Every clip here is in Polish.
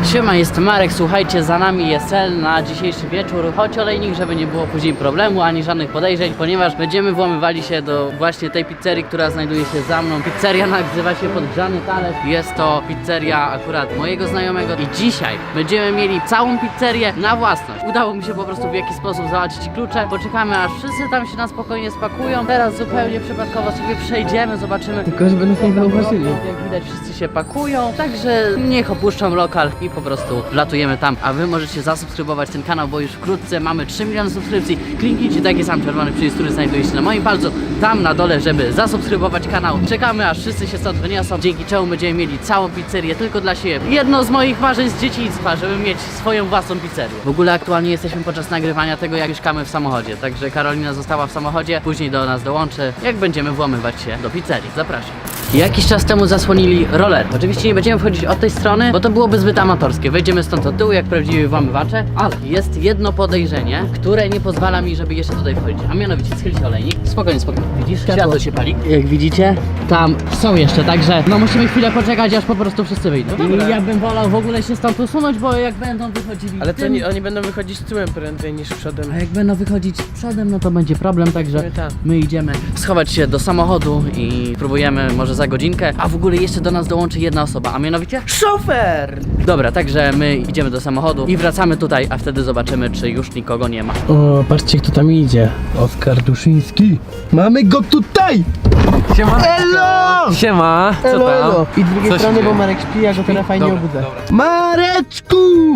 Siema, jestem Marek, słuchajcie, za nami jest cel na dzisiejszy wieczór. Chodź olejnik, żeby nie było później problemu, ani żadnych podejrzeń, ponieważ będziemy włamywali się do właśnie tej pizzerii, która znajduje się za mną. Pizzeria nazywa się Podgrzany Talerz. Jest to pizzeria akurat mojego znajomego i dzisiaj będziemy mieli całą pizzerię na własność. Udało mi się po prostu w jakiś sposób załatwić klucze. Poczekamy, aż wszyscy tam się na spokojnie spakują. Teraz zupełnie przypadkowo sobie przejdziemy, zobaczymy. Tylko żeby nas nie zauważyli. Jak widać, wszyscy się pakują, także niech opuszczą lokal i po prostu wlatujemy tam. A wy możecie zasubskrybować ten kanał, bo już wkrótce mamy 3 miliony subskrypcji. Kliknijcie taki sam czerwony przycisk, który znajduje się na moim palcu, tam na dole, żeby zasubskrybować kanał. Czekamy, aż wszyscy się stąd wyniosą, dzięki czemu będziemy mieli całą pizzerię tylko dla siebie. Jedno z moich marzeń z dzieciństwa, żeby mieć swoją własną pizzerię. W ogóle aktualnie jesteśmy podczas nagrywania tego, jak mieszkamy w samochodzie, także Karolina została w samochodzie, później do nas dołączy, jak będziemy włamywać się do pizzerii. Zapraszam. Jakiś czas temu zasłonili roller. Oczywiście nie będziemy wchodzić od tej strony, bo to byłoby zbyt amatorskie. Wejdziemy stąd od tyłu jak prawdziwi włamywacze, ale jest jedno podejrzenie, które nie pozwala mi, żeby jeszcze tutaj wchodzić. A mianowicie schyl się olejnik. Spokojnie, spokojnie. Widzisz? Światło się pali. Jak widzicie, tam są jeszcze, także no musimy chwilę poczekać, aż po prostu wszyscy wyjdą. I ja bym wolał w ogóle się stąd usunąć, bo jak będą wychodzili Ale to tym, oni będą wychodzić tyłem prędzej niż przodem. a jak będą wychodzić przodem, no to będzie problem, także Tak. my idziemy schować się do samochodu i próbujemy może za godzinkę, a w ogóle jeszcze do nas dołączy jedna osoba, a mianowicie Szofer! dobra, także my idziemy do samochodu i wracamy tutaj, a wtedy zobaczymy, czy już nikogo nie ma. O, patrzcie kto tam idzie. Oskar Duszyński. Mamy go tutaj! Siema! Elo! Siema! Co Elo, elo. tam? I z drugiej Co się strony, dzieje? bo Marek śpi, ja go teraz fajnie Dobra, obudzę. dobra. Mareczku!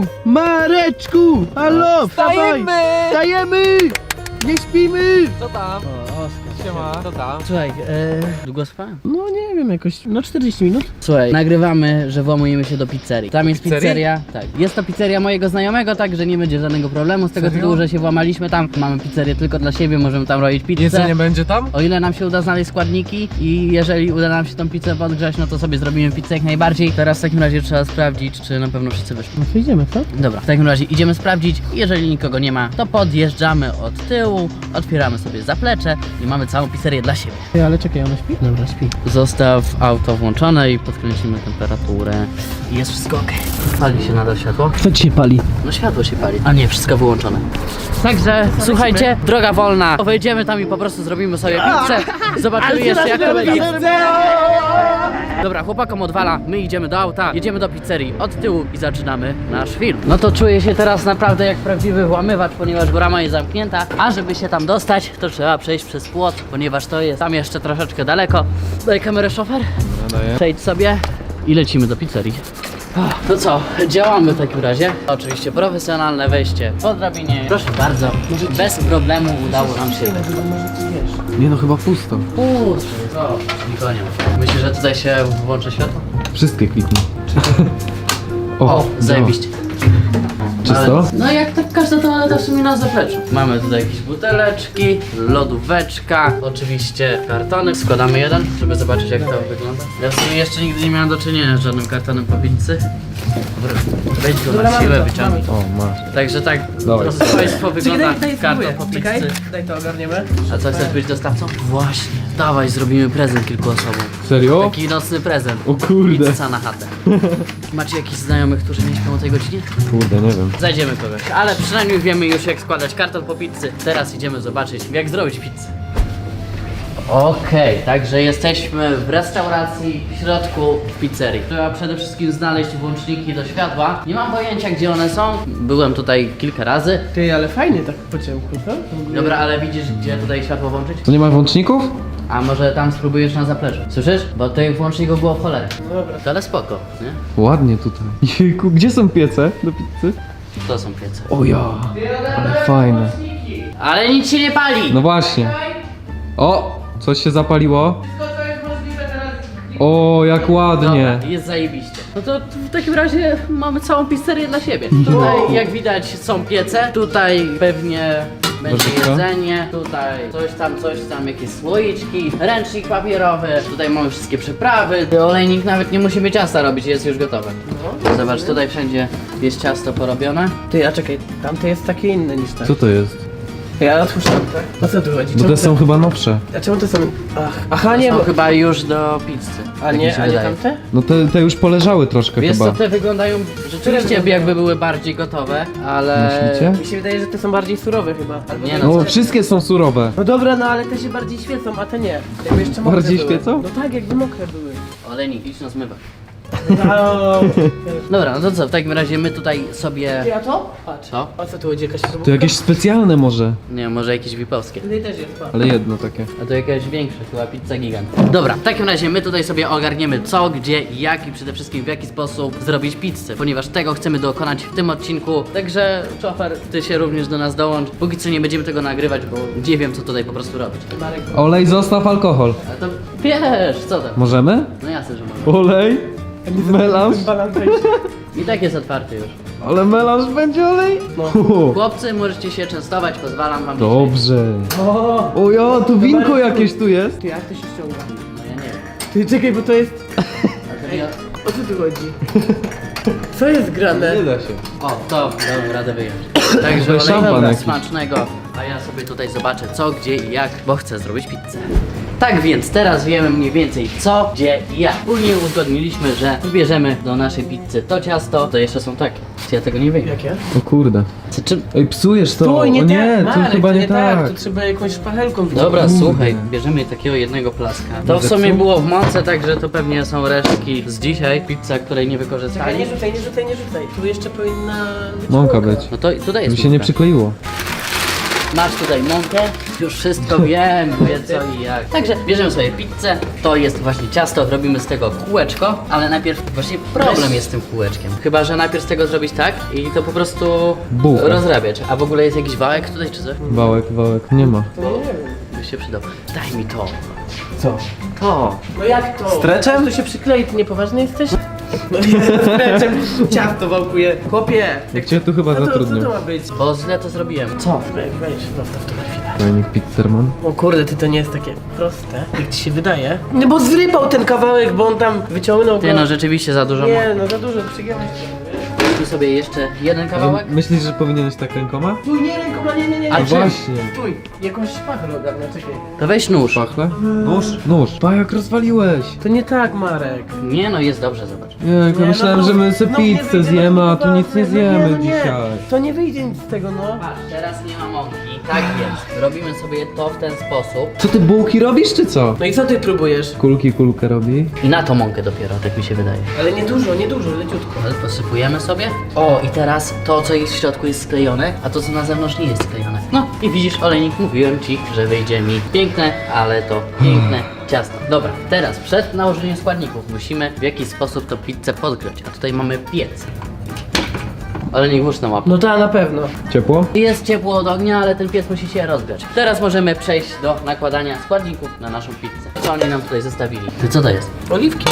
Mareczku! Halo, wstawaj! Wstajemy! Wstajemy! Nie śpimy! Co tam? Siema! Co tam? Słuchaj, długo spałem? No nie wiem, jakoś, no 40 minut. Słuchaj, nagrywamy, że włamujemy się do pizzerii. Tam jest Pizzerii? pizzeria, tak. Jest to pizzeria mojego znajomego, także nie będzie żadnego problemu z tego Serio? tytułu, że się włamaliśmy tam. Mamy pizzerię tylko dla siebie, możemy tam robić pizzę. Jedzenie będzie tam? O ile nam się uda znaleźć składniki i jeżeli uda nam się tą pizzę podgrzać, no to sobie zrobimy pizzę jak najbardziej. Teraz w takim razie trzeba sprawdzić, czy na pewno wszyscy wyszli. No to idziemy, co? Dobra, w takim razie idziemy sprawdzić. Jeżeli nikogo nie ma, to podjeżdżamy od tyłu, otwieramy sobie zaplecze i mamy całą pizzerię dla siebie. Ej, ale czekaj, ona śpi? Dobra, śpi. Zostaw auto włączone i podkręcimy temperaturę. I jest wszystko ok. Pali się nadal światło? Kto ci się pali? No światło się pali. A nie, wszystko wyłączone. Także słuchajcie, droga wolna. Wejdziemy tam i po prostu zrobimy sobie pizzę. Zobaczymy jeszcze jak to będzie. Dobra, chłopakom odwala, my idziemy do auta, jedziemy do pizzerii od tyłu i zaczynamy nasz film. No to czuję się teraz naprawdę jak prawdziwy włamywacz, ponieważ brama jest zamknięta, a żeby się tam dostać, to trzeba przejść przez płot, ponieważ to jest tam jeszcze troszeczkę daleko. Daj kamerę, szofer. Daję. Przejdź sobie i lecimy do pizzerii. To co, działamy w takim razie. Oczywiście profesjonalne wejście po drabinie. Proszę bardzo, bez problemu udało nam się. Nie no, chyba pusto. Co? Nikogo nie ma. Myślisz, że tutaj się włączy światło? Wszystkie kliknij. O, zajebiście. Czysto? Ale- No jak tak każda toaleta w sumie na zapleczu. Mamy tutaj jakieś buteleczki, lodóweczka, oczywiście kartony. Składamy jeden, żeby zobaczyć jak to wygląda. Ja w sumie jeszcze nigdy nie miałem do czynienia z żadnym kartonem po pizzy. Dobra, wejdź go na siłę, wyciągnij. O, masz. Także tak, Dawaj. drodzy państwo, wygląda karton po Czekaj, pizzy. daj to ogarniemy. A co, chcesz być dostawcą? Właśnie. Dawaj, zrobimy prezent kilku osobom. Serio? Taki nocny prezent. O kurde. Pizza na chatę. Macie jakichś znajomych, którzy nie śpią o tej godzinie? Kurde, nie wiem. Znajdziemy kogoś, ale przynajmniej wiemy już jak składać karton po pizzy. Teraz idziemy zobaczyć jak zrobić pizzę. Okej, także jesteśmy w restauracji w środku pizzerii. Trzeba przede wszystkim znaleźć włączniki do światła. Nie mam pojęcia gdzie one są. Byłem tutaj kilka razy. Ty, ale fajnie tak po ciemku, co? W ogóle- Dobra, ale widzisz gdzie tutaj światło włączyć? To nie ma włączników? A może tam spróbujesz na zapleczu? Słyszysz? Bo tych włączników było w cholerę. No dobra. To ale spoko, nie? Ładnie tutaj. Jejku, gdzie są piece do pizzy? To są piece. O ja, ale fajne. Ale nic się nie pali! No właśnie. O, coś się zapaliło. O, jak ładnie. Dobra, jest zajebiście. No to w takim razie mamy całą pizzerię dla siebie. Tutaj jak widać są piece, tutaj pewnie będzie Nożyczka. jedzenie, tutaj coś tam, jakieś słoiczki, ręcznik papierowy, tutaj mamy wszystkie przyprawy. Olejnik nawet nie musi ciasta robić, jest już gotowe. Zobacz, tutaj wszędzie jest ciasto porobione. Ty, a czekaj, tamte jest takie inne niż te. Co to jest? Ja otwórzę tak? O co tu chodzi? Bo Czemu te są chyba nowsze. A czemu to są... Aha, nie, Są bo... chyba już do pizzy. A Tak mi nie, się a nie wydaje. tamte? No te już poleżały troszkę Wiesz chyba. co, te wyglądają rzeczywiście jakby były bardziej gotowe, ale... Myślicie? Mi się wydaje, że te są bardziej surowe chyba. Albo Nie te- no, No wszystkie są surowe. No dobra, no ale te się bardziej świecą, a te nie. Jakby jeszcze mokre Bardziej były. świecą? No tak, jakby mokre były. Olejnik, idź na zmywak. No. Dobra, no to co, w takim razie my tutaj sobie... A to? Patrz. Co? O co tu chodzi? Jakaś To jakieś specjalne może. Nie, może jakieś wipowskie. Tutaj też jest, patrz. Ale jedno takie. A to jakaś większa, chyba pizza gigant. Dobra, w takim razie my tutaj sobie ogarniemy co, gdzie, jak i przede wszystkim w jaki sposób zrobić pizzę, ponieważ tego chcemy dokonać w tym odcinku. Także Czofer, ty się również do nas dołącz. Póki co nie będziemy tego nagrywać, bo nie wiem co tutaj po prostu robić. Marek. Olej, zostaw alkohol. Ale to wiesz, co tam? Możemy? No jasne, że może. Olej? Melanż? I tak jest otwarty już. Ale melanż będzie olej? No. Chłopcy, możecie się częstować, pozwalam wam. Dobrze. O! O ja, tu winko jakieś tu jest. Ty, jak to się ściąga? No ja nie wiem. Ty, czekaj, bo to jest... A to ja... O co tu chodzi? Co jest grane? da się. O, to dałem radę wyjąć. Także To jest szampan olejnika jakiś. smacznego, a ja sobie tutaj zobaczę co, gdzie i jak, bo chcę zrobić pizzę. Tak więc teraz wiemy mniej więcej co, gdzie i jak. Później uzgodniliśmy, że wybierzemy do naszej pizzy to ciasto, to jeszcze są takie. Ja tego nie wiem. Jakie? O kurde. Czy... Ej, psujesz to. Stój, nie o tak, nie, to Marek, chyba to nie tak. To trzeba jakąś szpachelką Dobra, wyciągnąć. słuchaj, bierzemy takiego jednego plaska. To w Zepsuł? sumie było w mące, także to pewnie są resztki z dzisiaj. Pizza, której nie Czekaj, wykorzystali. nie rzucaj, nie rzucaj, nie rzucaj. Tu jeszcze powinna być Mąka być. No to tutaj jest Mi się nie mąka. przykleiło. Masz tutaj mąkę, już wszystko wiem, wie co i jak. Także bierzemy sobie pizzę, to jest właśnie ciasto, robimy z tego kółeczko, ale najpierw właśnie problem jest z tym kółeczkiem. Chyba, że najpierw z tego zrobić tak i to po prostu Bułka. rozrabiać. A w ogóle jest jakiś wałek tutaj czy coś? Wałek, nie ma. To nie wiem. By się przydał. Daj mi to. Co? To. No jak to? Streczem? To się przyklei, ty niepoważny jesteś? No nie, streczem ciasto wałkuje. Chłopie! Jak cię tu chyba Co to zatrudnił. ma być? Bo źle to zrobiłem. Co? Weź, zostaw to na chwilę. Fajnik pizzerman. O kurde, ty to nie jest takie proste, jak ci się wydaje. No bo zrypał ten kawałek, bo on tam wyciągnął go. Ty no rzeczywiście za dużo. Nie, no za dużo, przygiąłeś Tu sobie jeszcze jeden kawałek. Myślisz, że powinieneś tak rękoma? Stój, nie rękoma, nie. A No czym? właśnie. Stój, jakąś szpachę ogarnia, czekaj. To weź nóż. Pachle? Nóż? Nóż. Pa, jak rozwaliłeś. To nie tak, Marek. Nie no, jest dobrze, zobacz. Jak Nie, myślałem, no, że my sobie no, nie pizzę wyjdzie, zjemy, no, a tu nic nie no, zjemy no, dzisiaj. To nie wyjdzie nic z tego, no. Patrz, teraz nie ma mąki. Tak jest. Robimy sobie to w ten sposób. Co ty bułki robisz, czy co? No i co ty próbujesz? Kulkę robi. I na to mąkę dopiero, tak mi się wydaje. Ale nie dużo, leciutko. Ale posypujemy sobie. O, i teraz to, co jest w środku jest sklejone, a to, co na zewnątrz nie jest sklejone. No i widzisz, olejnik, mówiłem ci, że wyjdzie mi piękne, ale to piękne ciasto. Dobra, teraz przed nałożeniem składników musimy w jakiś sposób tą pizzę podgrzać. A tutaj mamy piec. Olejnik, włóż na łapę. No ta na pewno. Ciepło? Jest ciepło od ognia, ale ten piec musi się rozgrzać. Teraz możemy przejść do nakładania składników na naszą pizzę. Co oni nam tutaj zostawili? Ty co to jest? Oliwki.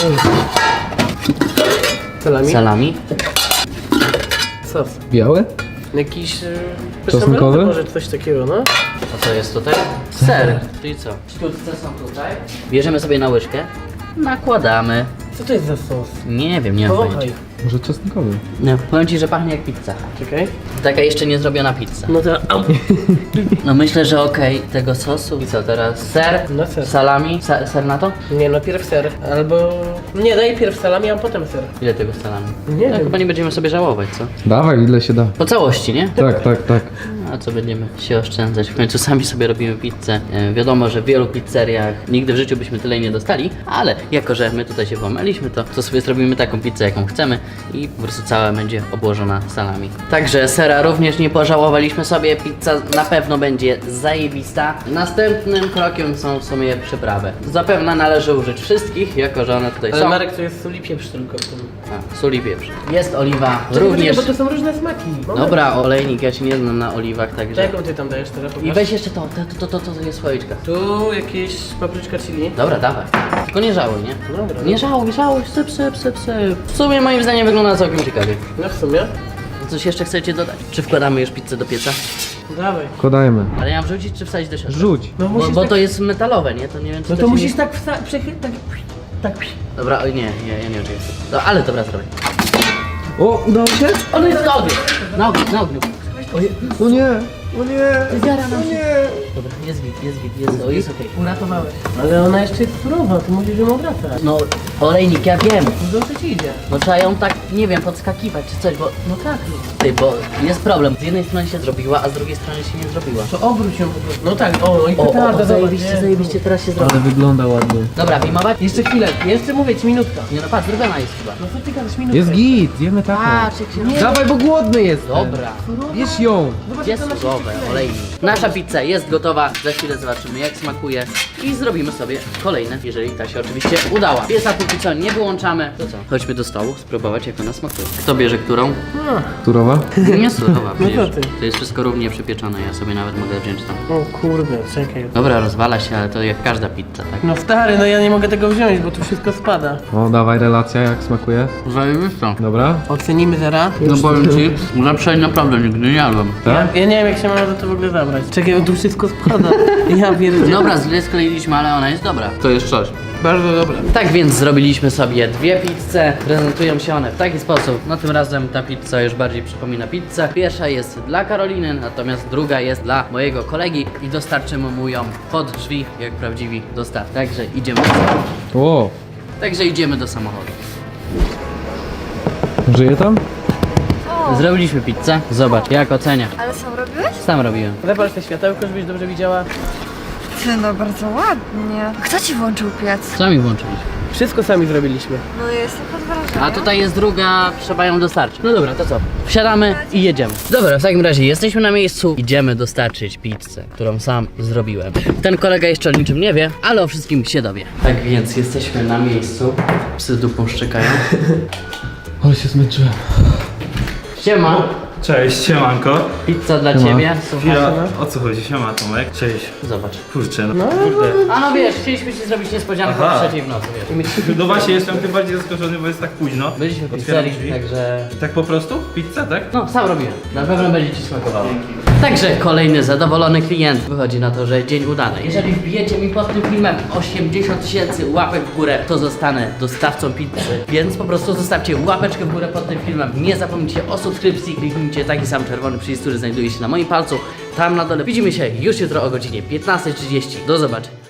Salami? Salami? Sos. Białe? Jakiś... Czosnkowy? Może coś takiego, no. A co jest tutaj? Ser. Czyli co? Sztuczce są tutaj. Bierzemy sobie na łyżkę. Nakładamy. Co to jest za sos? Nie wiem, nie mam Powąchaj. pojęcia. Może czosnkowy? No, powiem ci, że pachnie jak pizza. Czekaj. Taka jeszcze nie zrobiona pizza. No to... Au. No myślę, że okej, tego sosu. I co teraz? Ser? No ser. Salami? Ser na to? Nie, no pierw ser. Albo... Nie, daj pierw salami, a potem ser. Ile tego salami? Nie No, wiem. chyba nie będziemy sobie żałować, co? Dawaj, ile się da. Po całości, nie? Tak. A co będziemy się oszczędzać? W końcu sami sobie robimy pizzę. Wiadomo, że w wielu pizzeriach nigdy w życiu byśmy tyle nie dostali, ale jako, że my tutaj się włamaliśmy, to sobie zrobimy taką pizzę, jaką chcemy i po prostu cała będzie obłożona salami. Także sera również nie pożałowaliśmy sobie, pizza na pewno będzie zajebista. Następnym krokiem są w sumie przyprawy. Zapewne należy użyć wszystkich, jako że one tutaj Ale są. Marek, to jest sól i pieprz tylko w tym. A, sól i pieprz. Jest oliwa, Czekaj, również... bo to są różne smaki. Moment. Dobra, olejnik, ja się nie znam na oliwach, także... Jaką ty tam dajesz teraz? I Pokaż. weź jeszcze to jest słoiczka. Tu jakieś papryczka chili. Dobra, dawaj. Tylko nie żałuj, nie? Dobra. Nie żałuj, syp. W sumie moim zdaniem wygląda całkiem ciekawie. No w sumie. Coś jeszcze chcecie dodać? Czy wkładamy już pizzę do pieca? Dawaj. Wkładajmy. Ale ja mam wrzucić czy wsadzić do środka? Rzuć. No Bo, musisz bo tak... to jest metalowe, nie? To nie wiem czy No to to się musisz nie... tak tak... Dobra, oj nie, ja nie oczekuję. No ale dobra, zrobię. O, udało się? On jest na ogniu! Na ogniu. O nie. O nie! Zjara nam się. Dobra, jest git, jest okej. Uratowałeś. Ale ona jeszcze jest surowa, ty musisz ją obracać. No, olejnik, ja wiem. Dobrze ci idzie. No trzeba ją tak, nie wiem, podskakiwać czy coś, bo... No tak. Ty, bo jest problem. Z jednej strony się zrobiła, a z drugiej strony się nie zrobiła. To obróć ją po prostu. No tak, o, i O, petarda, zajebiście, teraz się zrobi. wygląda ładnie. Dobra, wyjmować? Jeszcze chwilę, jeszcze mówię ci minutka. Nie no, patrz, zrobiona jest chyba. No co ty gadasz, minutka? Jest git, zjemy taką. Patrz, jak się... Dawaj, bo głodny jest. Dobra. Bierz ją. Zobacz, Jest jak ona się surowe, przyklei. olejnik. Nasza pizza jest gotowa, za chwilę zobaczymy jak smakuje i zrobimy sobie kolejne, jeżeli ta się oczywiście udała. Piesa póki co nie wyłączamy. To co? Chodźmy do stołu, spróbować jak ona smakuje. Kto bierze którą? Turowa? Nie surowa, No przecież. to ty. To jest wszystko równie przypieczone, ja sobie nawet mogę wziąć tam. O kurde, czekaj. Dobra, rozwala się, ale to jak każda pizza, tak? No stary, no ja nie mogę tego wziąć, bo tu wszystko spada. O, dawaj relacja, jak smakuje. Zajebisto. Dobra. Ocenimy zaraz. No powiem ci, lepszej naprawdę nigdy nie jadłem. Tak? Ja nie wiem jak się ma za to w ogóle zabrać. Czekaj, bo tu wszystko spada. Ja pierdzielę. Dobra, źle skleiliśmy, ale ona jest dobra. To jest coś. Bardzo dobre. Tak więc zrobiliśmy sobie dwie pizze. Prezentują się one w taki sposób. No tym razem ta pizza już bardziej przypomina pizzę. Pierwsza jest dla Karoliny, natomiast druga jest dla mojego kolegi i dostarczymy mu ją pod drzwi, jak prawdziwi dostawcy. Także idziemy do samochodu. O, Także idziemy do samochodu. żyje tam? Zrobiliśmy pizzę. Zobacz, jak ocenia. Ale sam robiłeś? Sam robiłem. Zapal te światełko, żebyś dobrze widziała. Ty, no bardzo ładnie. Kto ci włączył piec? Sami włączyliśmy. Wszystko sami zrobiliśmy. No jestem pod wrażeniem. A tutaj jest druga, trzeba ją dostarczyć. No dobra, to co? Wsiadamy i jedziemy. Dobra, w takim razie jesteśmy na miejscu. Idziemy dostarczyć pizzę, którą sam zrobiłem. Ten kolega jeszcze o niczym nie wie, ale o wszystkim się dowie. Tak więc jesteśmy na miejscu. Psy dupą szczekają. Ale się zmęczyłem. Siema, Cześć, siemanko. pizza dla Siema. ciebie. Słuchaj. Chwila, o co chodzi? Siema Tomek. Cześć. Zobacz. Kurczę, no kurde. A no wiesz, chcieliśmy ci zrobić niespodziankę Aha. o 3:00 w nocy, wiesz. No właśnie, jestem tym bardziej zaskoczony, bo jest tak późno. Byliśmy w Otwieram pizzerii, drzwi. także... Tak po prostu? Pizza, tak? No, sam robiłem. Na pewno będzie ci smakowało. Także kolejny zadowolony klient. Wychodzi na to, że dzień udany. Jeżeli wbijecie mi pod tym filmem 80 000 łapek w górę, to zostanę dostawcą pizzy. Więc po prostu zostawcie łapeczkę w górę pod tym filmem. Nie zapomnijcie o subskrypcji. Kliknijcie taki sam czerwony przycisk, który znajduje się na moim palcu. Tam na dole. Widzimy się już jutro o godzinie 15:30. Do zobaczenia.